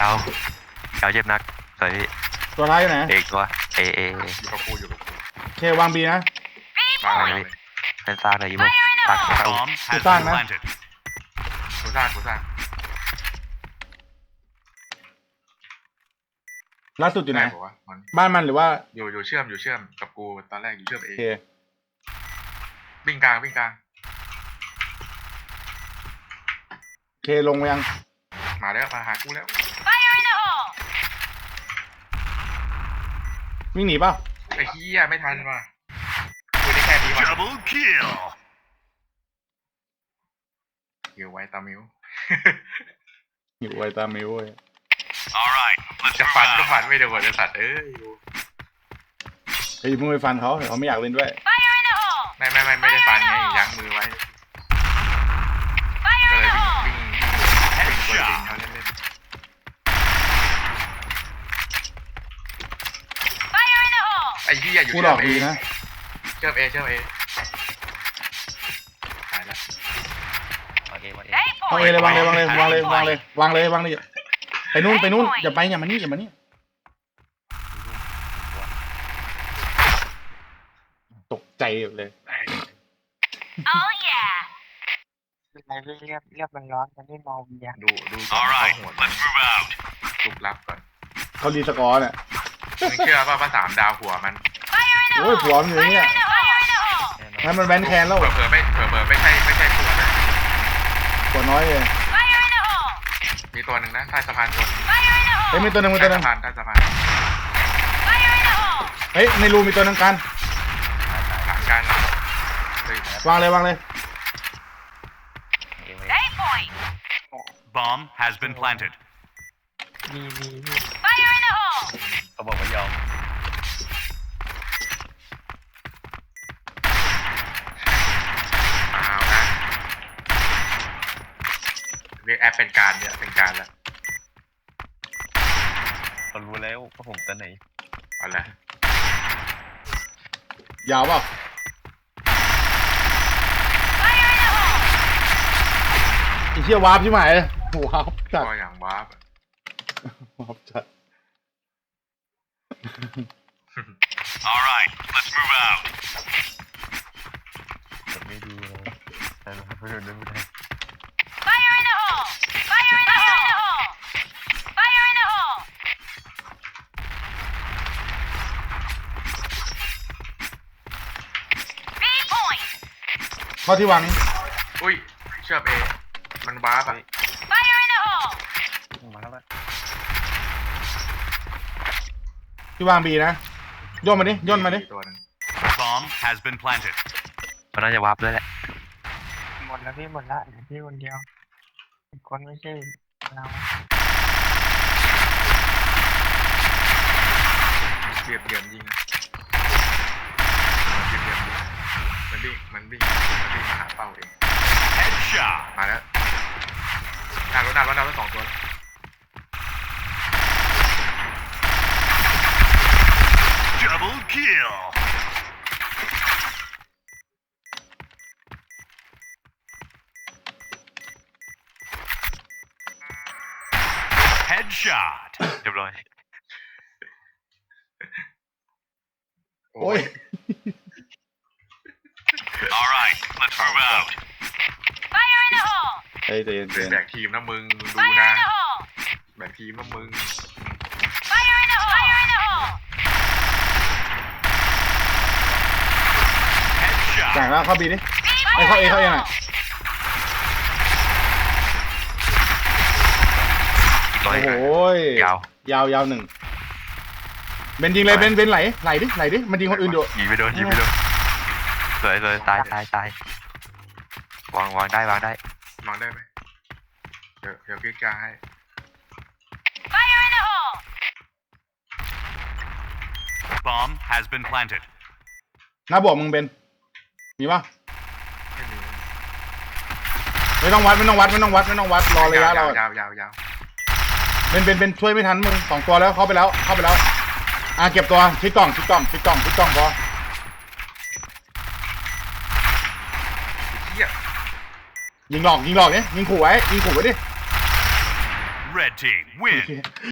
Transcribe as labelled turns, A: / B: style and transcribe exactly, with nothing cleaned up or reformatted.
A: าวเกาเจ็บนักสวยพี่
B: ตัวท้ายอยู่ไหน
A: เอกตัวเอเอ
C: อยู่กับกูอยู่กับกู
B: โอเควางบีนะ
C: มาเลย
A: เป็นซากเลยยี่โมซากซาก
D: Bomb has
B: Good time,
D: been
B: man.
D: planted.
C: กูสร้างกูสร้าง
B: ล่าสุดอยู่ไหน
C: บอกว่ามัน
B: บ้านมันหรือว่า
C: อยู่อยู่เชื่อมอยู่เชื่อมกับกูตอนแรกอยู่เชื่อมเอ
B: โอง เค
C: วิ่งกลางวิ่งกลาง
B: โอเคลงไปยัง
C: มาแล้วมาหากูแล้ว
B: วิ่งหนีเปล่า
C: ไอ้เหี้ยไม่ทันว่ะกูได้แค่นี้ว่ะ
D: Double kill.
C: เกี่ยวไว้ตามิว
B: อยู่ไวตามิวเว้ย
D: All right, let's
C: จะ
D: move
C: ฟันก็
D: out.
C: ฟันไม่โดนไอ้สัตว์เอ้ย
B: เฮ้ยมึงไปฟันเขาเดี๋ยวเขาไม่อยากเล่นด้วย
C: ไม่ไม่ไม่ไม่ได้ฟันไงยั้งมือไว้ก็เลยวิ่งวิ่งวิ่งวิ่งตัวจริงเขาเล่นเล่นไอ้เหี้ยอยู่
B: กูหล
C: เชื่อ
B: อก
C: มเอ
B: ดีนะ
C: เชื่อมเอเชื่อมเอตายแล้ว
A: โอเควางเอ
B: วางเอเลยวางเลยวางเลยวางเลยวางเลยวางเลยวางเลยไปนู่นไปนู่นอย่าไปอย่ามานี่อย่ามานี่ตกใจเลย
E: อะไรเรียบเรียบมันร้อนมันไม่มองอย่าง
C: ดูดูก่อน
D: All
C: เขา
D: right,
C: โหด
D: let's move out.
C: ลุกลับก่อน
B: เขารีสกอร์เนี่ย
C: มึงเชื่อป่ะว่าสามดาวหัวมัน
B: โอ้ยหัวมันอยู่เนี่ยงั้นมันแวนแคนแล้ว
C: เผลอเผลอไม่เผลอเผลอไม่ใช่ไม่ใช่หัวนะ
B: หัวน้อยเลย
C: มีตัวหนึ่งนะใต้สะพานตัว
B: เฮ้ยมีตัวหนึงมี
C: ใต้
B: ตัวหนึ
C: สะ
B: ง
C: พานใต้สะพาน
B: เฮ้ยในรูมีตัวหนึงกัน
C: หลังการเลยว
B: างเลยวางเลย
A: เอวางเอ
D: Bomb has been planted.
E: มีมีมี
A: เขาบอกว่ายอม
C: เอานะเรียกแอปเป็นการเนี่ยเป็นการละ
A: เขารู้แล้วว่าผมตัวไหน
C: เอาละ
B: ยาวเปล่าไอ้เหี้ยวาร์ปใช่ไหมวาร์ปจัด
C: ก็อย่างวาร์ป
B: วาร์ปจัด
D: All right, let's move out.
A: ผมไม่ดูเลยแต่ไม่โดนไม่ได้
B: ข้อที่วางนี้
C: อุ้ยเชื่อมเอมันวาร์ปอ่ะ
A: มาแล้วมั้ย
B: ที่วางบีนะย่นมาดิย่นมาดิ
C: ตัวหนึง
D: Bomb has been planted.
A: มันน่าจะวับด้วยแหละ
E: หมดแล้วพี่หมดละเหลือพี่คนเดียวอีกคนไม่ใช่เรา
C: เรียบเรียมยิงนะเรียบเรียมยิงมันวิ่งมันวิ่งมันวิ่งมาหาเป้าเอง
D: Headshot.
C: มาแล้วหน้ารถหน้ารถหน้ารถสองตัว
D: Double kill. Headshot.
A: เรียบร้อย
B: โอ้ย
D: All right, let's move out.
B: เฮ้ยใจเย็นใจ
C: เป็น
B: เย็น
C: แบกทีมนะมึงมึงดูนะแบกทีมนะมึง
D: Headshot.
B: จ่ายแล้วเข้าบีดิไอ้เข้าเอเข้าเอหน่อย
A: อีกร้อย
B: โอ้โห
A: ยาวย
B: าวยาวหนึ่งเบนยิงเลยเบนเบนไหลไหลดิไหลดิมันยิงคนอื่นอยู่
A: ยิงไม่โดนยิงไม่โดนสวยสวยตายตายตาย วางวางได้วางได้
C: มองได้ไหมเดี๋ยวเดี๋ยวพี่กล้าให้
D: Bomb has been planted.
B: หน้าบวกมึงเบนมีปะ
C: ไม่มี
B: ไม่ต้องวัดไม่ต้องวัดไม่ต้องวัดไม่ต้องวัดรอระยะเรา
C: ยาวยาวยาว
B: เบนเบนเบนช่วยไม่ทันมึงสองตัวแล้วเข้าไปแล้วเข้าไปแล้วอ่ะเก็บตัวชิดกล่องชิดกล่องชิดกล่องชิดกล่องพอ
C: เหี้ย
B: ยิงหลอกยิงหลอกเนี่ยยิงขู่ไว้ยิงขู่ไว้ดิ
D: Red team
B: โอ
D: win.
B: เค